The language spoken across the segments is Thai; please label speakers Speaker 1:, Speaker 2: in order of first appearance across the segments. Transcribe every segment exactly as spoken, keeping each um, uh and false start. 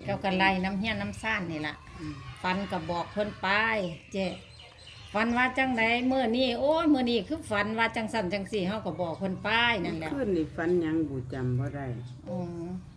Speaker 1: จ้าก็ไล่น้ำเฮียน้ำซ่านนี่ล่ะฟันก็บอกเพิ่นไปเจ๊ฟันว่าจังไดเมื่อนี้โอ้ยเมื่อนี้คือฝันว่าจังสั่นจังสี่เฮาก็บอกเพิ่นไปนั่นแหละ
Speaker 2: ขึ้นนี่ฝันหยังบูจำบ่ได้
Speaker 1: อ๋อ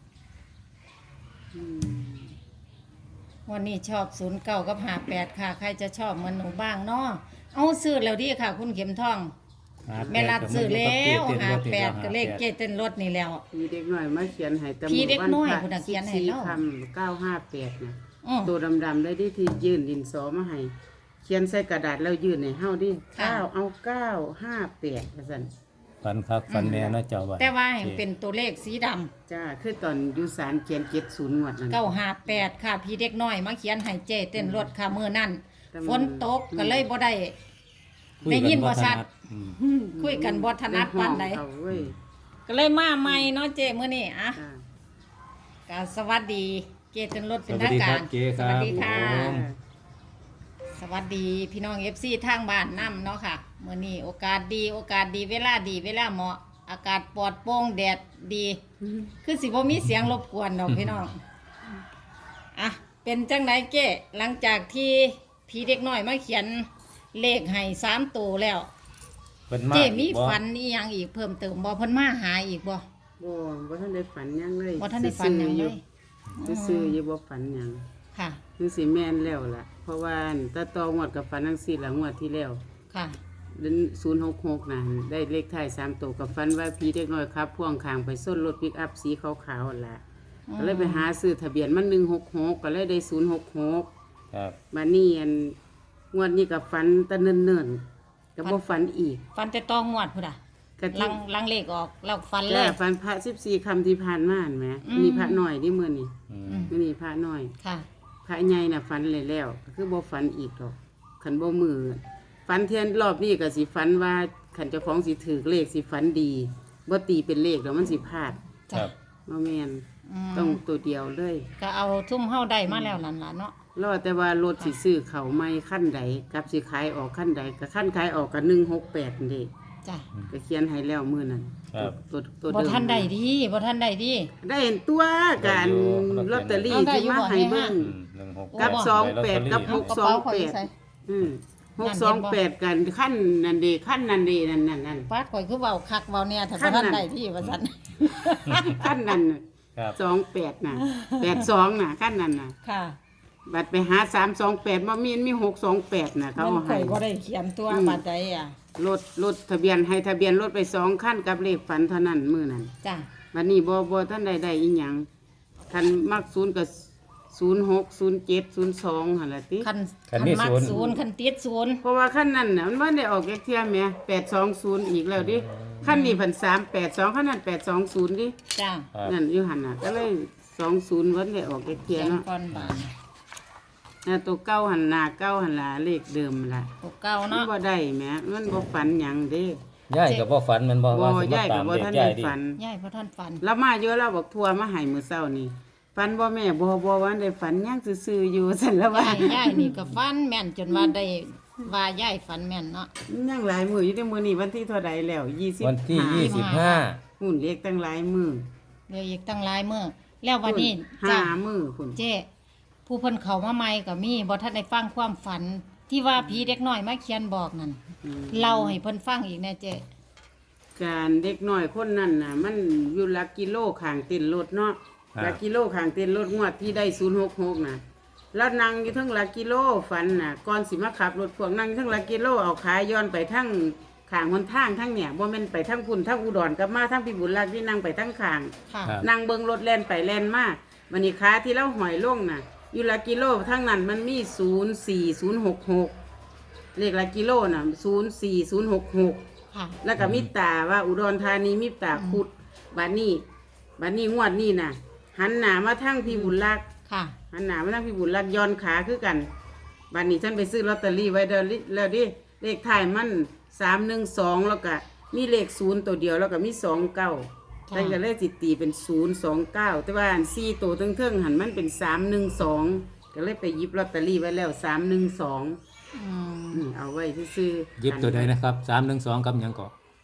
Speaker 2: อืม
Speaker 1: วันนี้ชอบศูนย์เก้ากับห้าแปดค่ะใครจะชอบเหมือนหนูบ้างเนาะเอาซื้อแล้วดีค่ะ คุณเข็มทองแม่รัดซื้อแล้วห้าแปดก็เลขเกเต้นรถนี่แล้ว
Speaker 2: มีเด็กน้อยมาเขียนให้แต่
Speaker 1: พี่เด็กน้อย
Speaker 2: วั
Speaker 1: พุ่นน่ะเขียนให้เรา
Speaker 2: คำเก้าห้าแปดนะ
Speaker 1: อ้อ
Speaker 2: ตัวดำๆได้ที่ที่ยื่นดินสอมาให้เขียนใส่กระดาษแล้วยื่นให้เฮาดิ
Speaker 1: ค่ะ
Speaker 2: เก้าเอาเก้าห้าแปดว่าซั่น
Speaker 3: ฟันคักฟันแน่เนาะเจ้าว่า
Speaker 1: แต่ว่าให้เป็นตัวเลขสีดำ
Speaker 2: จ้าคือตอนอยู่ศาลเขียนเจ็ดศูนย์งวดนั่น
Speaker 1: เก้าห้าแปดค่ะพี่เด็กน้อยมาเขียนให้เจเต้นรถค่ะมื้อนั้น
Speaker 2: แต่มัน
Speaker 1: ฝนตกก็เลยบ่ได้ได้ยินบ่ชัด
Speaker 3: อืม
Speaker 1: คุยกันบ่ถนัดปานใด
Speaker 2: เอาเว้ย
Speaker 1: ก็เลยมาใหม่เนาะเจมื้อนี้อ่ะ
Speaker 2: จ้า
Speaker 1: ก็สวัสดีเจเต้นรถ
Speaker 3: ส
Speaker 1: เป็น
Speaker 3: วัส
Speaker 1: ทาง
Speaker 3: ดีค
Speaker 1: กา
Speaker 3: รั
Speaker 1: ร
Speaker 3: บเจ๊ครับ
Speaker 1: สวัสดีค่ะ
Speaker 3: ผม
Speaker 1: สวัสดีพี่น้อง เอฟ ซี ทางบ้านนำเนาะค่ะมื้อนี้โอกาสดีโอกาสดีเวลาดีเวลาเหมาะอากาศปลอดโปร่งแดดดี คือสิบ่มีเสียงรบกวนดอกพี่น้องอ่ะเป็นจังไดเก้หลังจากที่พี่เด็กน้อยมาเขียนเลขให้สามตัวแล้ว
Speaker 3: เพิ่นมา
Speaker 1: เจ้มี
Speaker 3: บ่
Speaker 1: ฝันอีหยังอีกเพิ่มเติมบ่เพิ่นมาหาอีกบ่
Speaker 2: บ่บ่ทันได้ฝันหยังเลย
Speaker 1: บ่ทันได้ฝันหยังเลย
Speaker 2: ซื่อๆอยู่บ่ฝันหยัง
Speaker 1: ค่ะ
Speaker 2: คือสิแม่นแล้วล่ะ เพราะว่าตาตองวดกับฝันจังซี่ล่ะงวดที่แล้ว
Speaker 1: ค่ะ
Speaker 2: เดือนศูนย์หกหกน่ะได้เลขท้ายสามตัวกับฝันว่าพี่เด็กน้อยครับพ่วงข้างไปส้นรถปิกอัพสีขาวๆนั่นล่ะก็เลยไปหาซื้อทะเบียนมันหนึ่งหกหกก็เลยได้ศูนย์หกหก
Speaker 3: ครับ
Speaker 2: บัดนี้อันงวดนี้ก็ฝันแตะเนิ่นๆก็บ่ฝันอีก
Speaker 1: ฟันแต่ต้องงวดพุ่นอ่ะ
Speaker 2: ก็
Speaker 1: ลั
Speaker 2: ที่
Speaker 1: งลังเลขออกแล้วฟันเล
Speaker 2: แล้
Speaker 1: ย
Speaker 2: ฝันพระสิบสี่คำที่ผ่านมาเห็นไหม
Speaker 1: อืม
Speaker 2: มีพระน้อยนี่มื้อนี้
Speaker 3: อื
Speaker 1: อื
Speaker 3: ม
Speaker 1: ม
Speaker 2: มื้อนี้พระน้อย
Speaker 1: ค่ะ
Speaker 2: พระใหญ่น่ะฝันเลยแล้วก็คือบ่ฝันอีกหรอกคันบ่มือฝันเทียนรอบนี้ก็สิฝันว่าคันเจ้าของสิถือเลขสิฝันดีบ่ตีเป็นเลขแล้วมันสิพลาด
Speaker 3: ครั
Speaker 1: จ้ะ
Speaker 3: บ
Speaker 2: บ่แม่น
Speaker 1: ม
Speaker 2: ต้องตัวเดียวเลย
Speaker 1: ก็เอาทุ่มเฮาได้มาแล้วนั่นล่ะเนาะ
Speaker 2: รอแต่ว่ารถสิซื้อเขาไม่ขั้นใดกับสิขายออกขั้นใดก็ขั้นขายออกก็หนึ่งหกแปดนี่
Speaker 1: จ้ะ
Speaker 2: ก็เขียนให้แล้วมื้อนั้น
Speaker 3: ครับ
Speaker 2: ตัวตัว
Speaker 1: บ่
Speaker 2: เดิม
Speaker 1: ทันได้ดีบ่ทันได้ดี
Speaker 2: ได้เห็นตัวการลอตเตอรี่
Speaker 1: เอาได้
Speaker 2: ที่
Speaker 1: อยู่
Speaker 2: มา
Speaker 1: บ่
Speaker 2: ให้เบิ่ง
Speaker 3: อืมหนึ่งหก
Speaker 2: กับ
Speaker 3: แปด
Speaker 2: สองแปด
Speaker 3: ได้
Speaker 2: กับ
Speaker 3: ลอตเตอรี่
Speaker 2: หกสองแปดอืมหกสองแปดกันขั้นนั่นดีขั้นนั่นดีนั่นนั่นนั่น
Speaker 1: ฟาดข่อยคือเว้าคักเว้าเนี่ยถ้า
Speaker 2: ขั้
Speaker 1: บ่
Speaker 2: นนั้น
Speaker 1: ทันได้ดีว่าซั่น
Speaker 2: ขั้นนั้นน่ะ
Speaker 3: ครับ
Speaker 2: สองแปดน่ะแปดสองน่ะขั้นนั้นน่ะ
Speaker 1: ค่ะ
Speaker 2: บัดไปหาสามสองแปดบ่มีมีหกสองแปดน่ะเขา
Speaker 1: มัน
Speaker 2: เอา
Speaker 1: ข่
Speaker 2: ให้
Speaker 1: อยบ่ได้เขียนตัว
Speaker 2: อืม
Speaker 1: บาดใดอ่ะ
Speaker 2: รถรถทะเบียนให้ทะเบียนรถไปสองขั้นกับเลขฝันเท่านั้นมื้อนั้น
Speaker 1: จ้ะ
Speaker 2: บัดนี้บ่บ่ท่านใดได้อีหยังคันมักศูนย์ก็ศูนย์หก ศูนย์เจ็ด ศูนย์สองหั่นล่ะติ
Speaker 1: คัน
Speaker 3: คัน
Speaker 1: คัน
Speaker 3: มี
Speaker 1: มัก
Speaker 3: ศูนย์
Speaker 1: ศูนย์คันติดศูนย์
Speaker 2: เพราะว่าขั้นนั้นน่ะมันบ่ได้ออกเลขเที่ยแหม่แปดสองศูนย์อีกแล้วดิขั้นนี้พันสามแปดสองขั้นนั้นแปดสองศูนย์ดิ
Speaker 1: จ้ะ
Speaker 3: ครับ
Speaker 2: นั่นอยู่หั่นน่ะก็เลยสองศูนย์วันได้ออกเลข
Speaker 1: เขี
Speaker 2: เที่ย
Speaker 1: ยน
Speaker 2: เนาะ
Speaker 1: ก่อนบาด
Speaker 2: น่ะตัวเก้าหั่นหน้าเก้าหั่นล่ะเลขเดิมล่ะ
Speaker 1: ตัวเก่า
Speaker 2: มัน
Speaker 1: เนาะ
Speaker 2: บ่ได้แหมมันบ่ฝันหยังเด้
Speaker 3: ย่ายก็บ่ฝันแมันบ่
Speaker 2: บ่
Speaker 3: ว่าสิมา
Speaker 2: ย้าย
Speaker 3: ตา
Speaker 2: ก็
Speaker 3: ม
Speaker 2: บ่
Speaker 3: เด็ก
Speaker 2: ทัน
Speaker 3: ย่า
Speaker 2: ได้
Speaker 3: ยดิ
Speaker 2: ฝัน
Speaker 1: ยายบ่ทันฝัน
Speaker 2: แล้วมาเยอะแล้วบอกทัวร์มาให้มื้อเช้านี่ฝันบ่แม่บ่บ่ว่าได้ฝันหยังซื่อๆอยู่ซั่นแล้วว่า
Speaker 1: ยายยายนี่ก็ฝันแม่นจนว่าได้ว่ายายฝันแม่นเนาะ
Speaker 2: ยังหลายมื้ออยู่ในมื้อนี้วันที่เท่าใดแล้วยี่สิบ
Speaker 3: วันที่ยี่สิบห้า
Speaker 2: หุ่นเล็กตั้งหลายมื้อ
Speaker 1: เหลืออีกตั้งหลายมื้อแล้ววันนี้
Speaker 2: ห้า
Speaker 1: จ้ะ
Speaker 2: มื้อพุ่น
Speaker 1: เจ้ผู้เพิ่นเข้ามาใหม่ก็มีบ่ทันได้ฟังความฝัน ที่ว่าผีเด็กน้อยมาเขียนบอกนั่น
Speaker 2: อืม
Speaker 1: เล่าให้เพิ่นฟังอีกแน่เจ้
Speaker 2: การเด็กน้อยคนนั้นน่ะ มันอยู่หลักกิโลข้างเต็นท์รถเนาะ
Speaker 3: ครับ
Speaker 2: หลักกิโลข้างเต็นท์รถงวดที่ได้ศูนย์หกหกน่ะแล้วนั่งอยู่เทั้งหลักกิโลฝันน่ะก่อนสิมาขับรถพวกนั่งอยู่เทั้งหลักกิโลเอาขาย้อนไปทั้งข้างหนทางทั้งเนี่ยบ่แม่นไปทั้งพุ่นทั้งอุดรกลับมาทั้งพิบูลรักที่นั่งไปทั้งข้าง
Speaker 1: ค่ะ
Speaker 3: ครับ
Speaker 2: นั่งเบิ่งรถแล่นไปแล่นมาวันนี้ขาที่เราหอยลงน่ะ อยู่หลักกิโลทั้งนั้นมันมีศูนย์สี่ศูนย์หกหกเลขหลักกิโลน่ะศูนย์สี่ศูนย์หกหก
Speaker 1: ค่ะ
Speaker 2: แล้วก็มิตาว่าอุดรธานีมิตาคุดบัดนี้บัดนี้งวดนี้น่ะ หันหน้ามาทางพี่บุญรัก
Speaker 1: ค่ะ
Speaker 2: หันหน้ามาทางพี่บุญรักย้อนขาคือกันบัดนี้ฉันไปซื้อลอตเตอรี่ไว้เดยวลิแล้วดิเลขท้ายมันสามหนึ่งสองแล้วก็มีเลขศูนย์ตัวเดียวแล้วก็มีสองเก้า
Speaker 1: ค่ะ
Speaker 2: ฉันก็เลยจิตตีเป็นศูนย์สองเก้าแต่ว่าอันสี่ตัวเทิงๆหันมันเป็นสามหนึ่งสองก็เลยไปหยิบลอตเตอรี่ไว้แล้วสามหนึ่งสอง
Speaker 1: อืม
Speaker 2: เอาไว้ซื้อๆ
Speaker 3: หยิบตัวใดนะครับสามหนึ่งสองกับหยังก็
Speaker 2: อ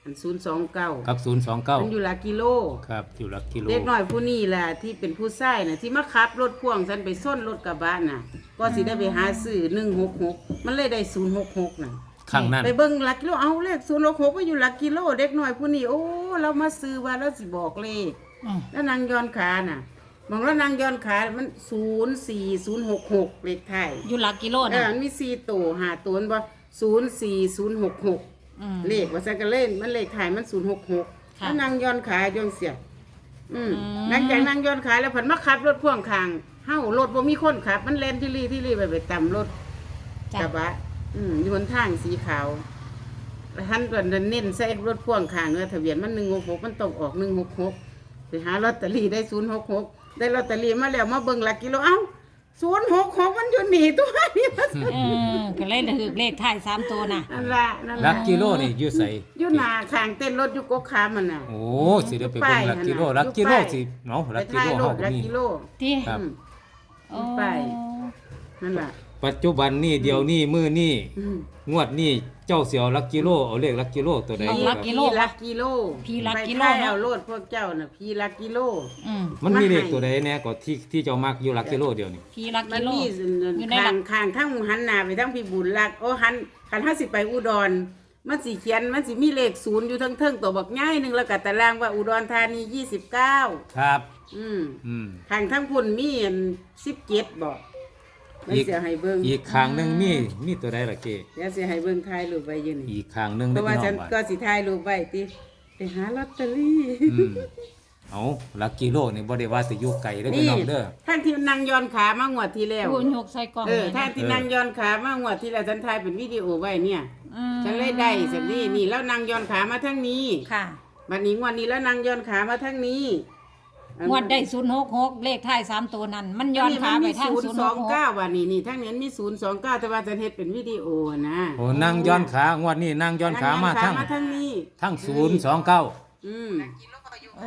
Speaker 2: อันศูนย์สองเก้า
Speaker 3: กับศูนย์สองเก้า
Speaker 2: มันอยู่หลักกิโล
Speaker 3: ครับอยู่หลักกิโล
Speaker 2: เด็กน้อยผู้นี้แหละที่เป็นผู้ชายน่ะที่มาขับรถพ่วงฉันไปส้นรถกระบะน่ะ ก็สิได้ไปหาซื้อหนึ่งหกหกมันเลยได้ศูนย์หกหกน่ะ
Speaker 3: ข้างนั้น
Speaker 2: ไปเบิ่งหลักกิโลเอาเลขศูนย์หกหกก็อยู่หลักกิโลเด็กน้อยผู้นี้โอ้เรามาซื้อว่าเราสิบอกเลข
Speaker 1: อืม
Speaker 2: แล้วนางย้อนขาน่ะมองแล้วนางย้อนขามันศูนย์สี่ศูนย์หกหกเลขไทย
Speaker 1: อยู่หลักกิโล
Speaker 2: เอ
Speaker 1: นะ
Speaker 2: อมันมีสี่ตัวห้าตัวมันบ่ศูนย์สี่ศูนย์หกหก
Speaker 1: อืม
Speaker 2: เลขว่าซั่นก็เล่นมันเลขไทยมันศูนย์หกหก
Speaker 1: ค่ะ
Speaker 2: แล้วนางย้อนขาย้อนเสียบอืม
Speaker 1: อืม
Speaker 2: หลังจากนางย้อนขาแล้วเพิ่นมาขับรถพ่วงข้างเฮารถบ่มีคนขับ มันแล่นที่รี่ที่รี่ไปไปตำรถ
Speaker 1: จ้ะ
Speaker 2: กระบะอืมอยู่บนทางสีขาวแล้วท่านก็เน้นใส่รถพ่วงข้างเนื้อทะเบียนมันหนึ่งหกหกมันตกออกหนึ่งหกหกไปหาลอตเตอรี่ได้ศูนย์หกหกได้ลอตเตอรี่มาแล้วมาเบิ่งหลักกิโลเอ้าศูนย์หกหกมันอยู่หนีตัวนี้
Speaker 1: เออก็เลยถือเลขท้ายสามตัวน่ะ
Speaker 2: นั่นละนั่น
Speaker 3: หลั
Speaker 2: ละ
Speaker 3: กกิโลนี่อยู่ไส
Speaker 2: อยู่หน้าข้างเต้นรถอยู่กกขามันน่ะ
Speaker 3: โอ้สิได้ไปเบิ่งหลักกิโลหลักกิโลสิเนาะหลัก
Speaker 2: ไป
Speaker 3: กิ
Speaker 2: ถ่าย
Speaker 3: โล
Speaker 2: รู
Speaker 3: เฮา
Speaker 2: ป
Speaker 3: ก็
Speaker 2: หลัก
Speaker 3: มี
Speaker 2: กิโล
Speaker 1: ที่
Speaker 3: ครับ
Speaker 2: อืม
Speaker 1: โอ้
Speaker 2: ไป นั่นล่ะ
Speaker 3: ปัจจุบันนี่เดี๋ยวนี้มื้อนี้
Speaker 2: อืม
Speaker 3: งวดนี้เจ้าเสียวหลักกิโลเอาเลขหลักกิโลตัวใด
Speaker 1: เอา
Speaker 3: ค
Speaker 1: หลั
Speaker 3: รั
Speaker 1: ก
Speaker 3: บ
Speaker 1: กิโล
Speaker 2: พี่ลักกิโล
Speaker 1: พี่ลักกิโล
Speaker 2: ไปถ่าย
Speaker 1: เนอะ
Speaker 2: เอาโลดพวกเจ้าน่ะพี่ลักกิโล
Speaker 1: อืม
Speaker 3: มันมีเลขตัวใดแน่ก็ที่ที่เจ้ามักอยู่หลักกิโลเดียวนี่
Speaker 1: พี่หลัก
Speaker 2: มั
Speaker 1: กิ
Speaker 2: น
Speaker 1: โล
Speaker 2: มี
Speaker 1: อยู่ในหลั
Speaker 2: ข้าก งข้างทั้งหันหน้าไปทั้งพี่บุญรักโอ้หันคันห้าสิไปอุดร มันสิเขียนมันสิมีเลขศูนย์อยู่ทั้งเทิงตัวบักง่ายหนึงแล้วก็ตารางว่าอุดรธานียี่สิบเก้า
Speaker 3: ครับ
Speaker 2: อืม
Speaker 3: อืม
Speaker 2: ข้างทั้งพุ่นมีอันสิบเจ็ดบอกมัน
Speaker 3: อีก
Speaker 2: เสียให้เบิ่ง
Speaker 3: อีกข้างหนึงมีมีตัวใดล่ะเก
Speaker 2: เดี๋ยวเสียให้เบิ่งถ่ายรูปไว้อยู่นี่
Speaker 3: อีกข้างหนึง
Speaker 2: เพ
Speaker 3: ได้
Speaker 2: ราะว่า
Speaker 3: พี่น้
Speaker 2: ฉั
Speaker 3: อน งว่า
Speaker 2: ก็สิถ่ายรูปไว้ติไปหาลอตเตอรี่
Speaker 3: อืมเอาหลักกิโลนี่บ่ได้ว่าสิอยู่ไกลเด้อพี่
Speaker 2: นี่
Speaker 3: น้องเด้อ
Speaker 2: ท่านที่นั่งย้อนขามางวดที่แล้ว
Speaker 1: พูนยกใส่กล่อง
Speaker 2: เออ
Speaker 1: เลย
Speaker 2: ท่า
Speaker 1: นะ
Speaker 2: นที่นั่งย้อนขามางวดที่แล้วฉันถ่ายเป็นวิดีโอไว้เนี่ย
Speaker 1: อืม
Speaker 2: ฉันเลยได้สันนี่นี่แล้วนั่งย้อนขามาทั้งนี้
Speaker 1: ค่ะ
Speaker 2: บัดนี้งวดนี้แล้วนั่งย้อนขามาทั้งนี้
Speaker 1: งวดได้ศูนย์หกหกเลขท้ายสามตัวนั้น มันย้อนขาไปทาง
Speaker 2: ศูน
Speaker 1: ศูน
Speaker 2: ย์
Speaker 1: ย์
Speaker 2: ส
Speaker 1: ห
Speaker 2: อก ง
Speaker 1: หก
Speaker 2: เก้าวันนี้นี่ทั้งนี้มีศูนย์สองเก้าแต่ว่าฉันเฮ็ดเป็นวิดีโอนะ
Speaker 3: โอ้นั่งย้อนขางวดนี้นั่งย้อนขามาทั้ง
Speaker 2: มาทั้งนี้
Speaker 3: ทั้งศูนย์สองเก้า
Speaker 2: อืม
Speaker 1: โอ้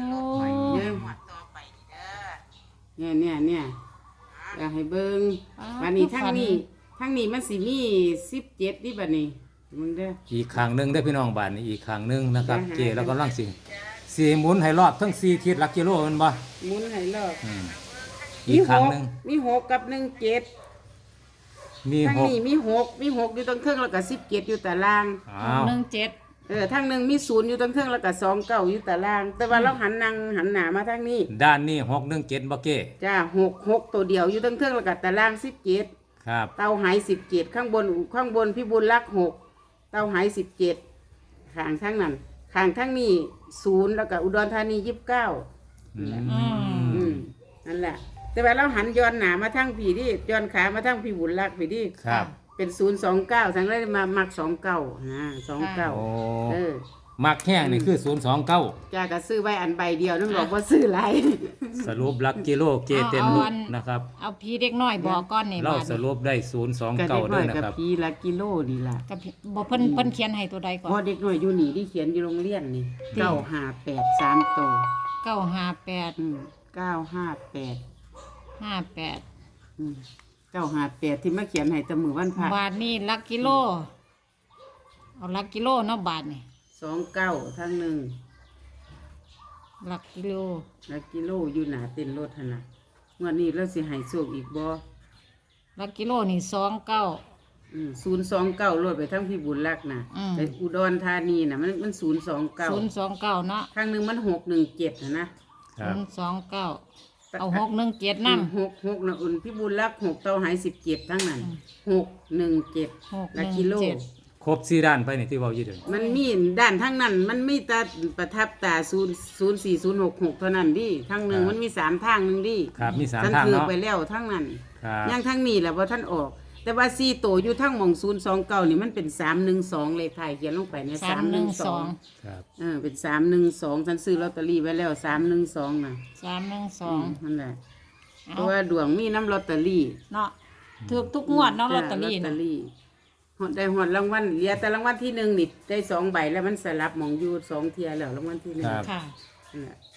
Speaker 2: เนี่ยเนี่ยเนี่ยอยากให้เบิ่งบัดนี้ทั้งนี้ทั้งนี้มันสิมีสิบเจ็ดนี่บัดนี้มึงเด้อ
Speaker 3: อีกข้างหนึงได้อพี่น้องบ้านนี่อีกข้างหนึงนะครับ
Speaker 2: อ่าฮะ
Speaker 3: เกแล้วก็ลังสิสีหมุนให้รอบทั้งสี่ทิศหลักกิโลแมันบ่
Speaker 2: หมุนให้รอบ
Speaker 3: อืมอีกข้างหนึง
Speaker 2: มีหกกับหนึ่งเจ็ด
Speaker 3: มี
Speaker 2: ทั้ง
Speaker 3: หก
Speaker 2: นี้มีหกมีหกอยู่ตรงเครื่องแล้วก็สิบเจ็ดอยู่ตาราง
Speaker 3: อ้าว
Speaker 1: หนึ่งเจ็ด
Speaker 2: เออทั้งหนึ่งมีศูนย์อยู่ตรงเครื่องแล้วก็สองเก้าอยู่ตาราง แต่ว่าเราหันนางหันหน้ามาทางนี้
Speaker 3: ด้านนี้หกหนึ่งเจ็ดบ่เก้
Speaker 2: จ้าหกหกตัวเดียวอยู่ตรงเครื่องแล้วก็ตารางสิบเจ็ด
Speaker 3: ครับ
Speaker 2: เตาหายสิบเจ็ดข้างบนข้างบนพี่บุญรักหกเตาหายสิบเจ็ดข้างทั้งนั้นข้างทั้งนี้ศูนย์แล้วก็อุดรธานียี่สิบเก้า
Speaker 3: อืม
Speaker 1: อืม
Speaker 2: อืมนั่นแหละ แต่ว่าเราหันย้อนหนามาทางผีดิย้อนขามาทางพี่บุญรักผีดิ
Speaker 3: ครับ
Speaker 2: เป็นศูนย์สองเก้าทั้งเลยมามักสองเก้านะสองเก้า
Speaker 3: โอ้
Speaker 2: เออ
Speaker 3: มักแห้งนี่คือศูนย์สองเก้า
Speaker 2: จ้าก็ซื้อไว้อันใบเดียวนึกบอกว่าซื้อหลาย
Speaker 3: สรุปหลักกิโลเกเต็ม
Speaker 1: เอา
Speaker 3: ลู
Speaker 1: อั
Speaker 3: ก
Speaker 1: น
Speaker 3: นะครับ
Speaker 1: เอาพี่เด็กน้อยบอกก้อนนี่
Speaker 3: เรา
Speaker 1: บาด
Speaker 3: สรุปได้ศูนย์สอง
Speaker 2: ก็
Speaker 3: เก้า
Speaker 2: เด็กน้
Speaker 3: ด้
Speaker 2: อ
Speaker 3: วย
Speaker 2: ย
Speaker 3: นะ
Speaker 2: กับ
Speaker 3: ครับ
Speaker 2: พีละกิโลนี่ล่ะ
Speaker 1: กับพี่บ่เพิ่นเพิ่นเขียนให้ตัวใดก่อน
Speaker 2: พอเด็กน้อยอยู่นี่ที่เขียนอยู่โรงเรียนนี่เก้าห้าแปดสามโตว
Speaker 1: เก้าห้าแปด
Speaker 2: อืมเก้าห้าแปด
Speaker 1: ห้าแปด
Speaker 2: อืมเก้าห้าแปดที่มาเขียนให้แตะมือวันพระ
Speaker 1: บาทนี่หลักกิโล เอาหลักกิโลเนาะบาทนี่
Speaker 2: สองเก้าทั้งหนึ่ง
Speaker 1: หลักกิโล
Speaker 2: แล้วกิโลอยู่หนาเต้นรถหั่นน่ะงวดนี้เราสิให้โชคอีกบ่
Speaker 1: หลักกิโลนี่สองเก้า
Speaker 2: ศูนย์สองเก้ารถไปทั้งพี่บุญรักน่ะ
Speaker 1: อืม
Speaker 2: ไปอุดรธานีน่ะมันมันศูนย์สองเก้า
Speaker 1: ศูนย์สองเก้าเนาะ
Speaker 2: ข้างหนึ่งมันหกหนึ่งเจ็ดนะนะ
Speaker 3: ครั
Speaker 1: ศู
Speaker 3: บ
Speaker 1: นย์สองเก้าเอาหกหนึ่งเจ็ดน้ำ
Speaker 2: หกหกนะอุ่นพี่บุญรักหกเต้าหายสิบเจ็ดทั้งนั้นหกหนึ่งเจ็ด
Speaker 1: หกห
Speaker 2: ละ
Speaker 1: นึ่ง
Speaker 2: กิโล
Speaker 1: เจ็ด
Speaker 3: ครบสี่ด้านไปนี่ที่เว้าอยู่เด้อ
Speaker 2: มันมีด้านทั้งนั้น มันมีแต่ประทับตาศูนย์ศูนย์สี่ศูนย์หกหกเท่านั้นดิทั้งหนึ่งมันมีสามทางหนึ่งดิ
Speaker 3: ครับมีสาม
Speaker 2: ท่าน
Speaker 3: ทาง
Speaker 2: ถือ
Speaker 3: เนาะ
Speaker 2: ไปแล้วทั้งนั้น
Speaker 3: ครับ
Speaker 2: ยังทั้งนี้แหละว่าท่านออก แต่ว่าสี่โตวอยู่ทั้งหมองศูนย์สองเก้านี่มันเป็นสามหนึ่งสองเลขไทยเขียนลงไปเนี่ย
Speaker 1: สามหนึ่งสอง
Speaker 3: ครับ
Speaker 2: เออเป็นสามหนึ่งสองท่านซื้อลอตเตอรี่ไว้แล้วสามหนึ่งสองน่ะ
Speaker 1: สามหนึ่งสอง
Speaker 2: นั่นแหละเพ
Speaker 1: เอา
Speaker 2: ราะว่าดวงมีน้ำลอตเตอรี่
Speaker 1: เนาะถูกทุกงวดเนาะลอตเตอรี่
Speaker 2: ลอตเตอ
Speaker 1: นะ
Speaker 2: รี่หอดได้หอดรางวัลเหลือแต่รางวัลที่หนึ่งนี่ได้สองใบแล้วมันสลับหมองอยู่สองเทียแล้วรางวัลที่หนึ่ง
Speaker 3: ครับ
Speaker 1: ค่ะ
Speaker 2: นั่นแหละ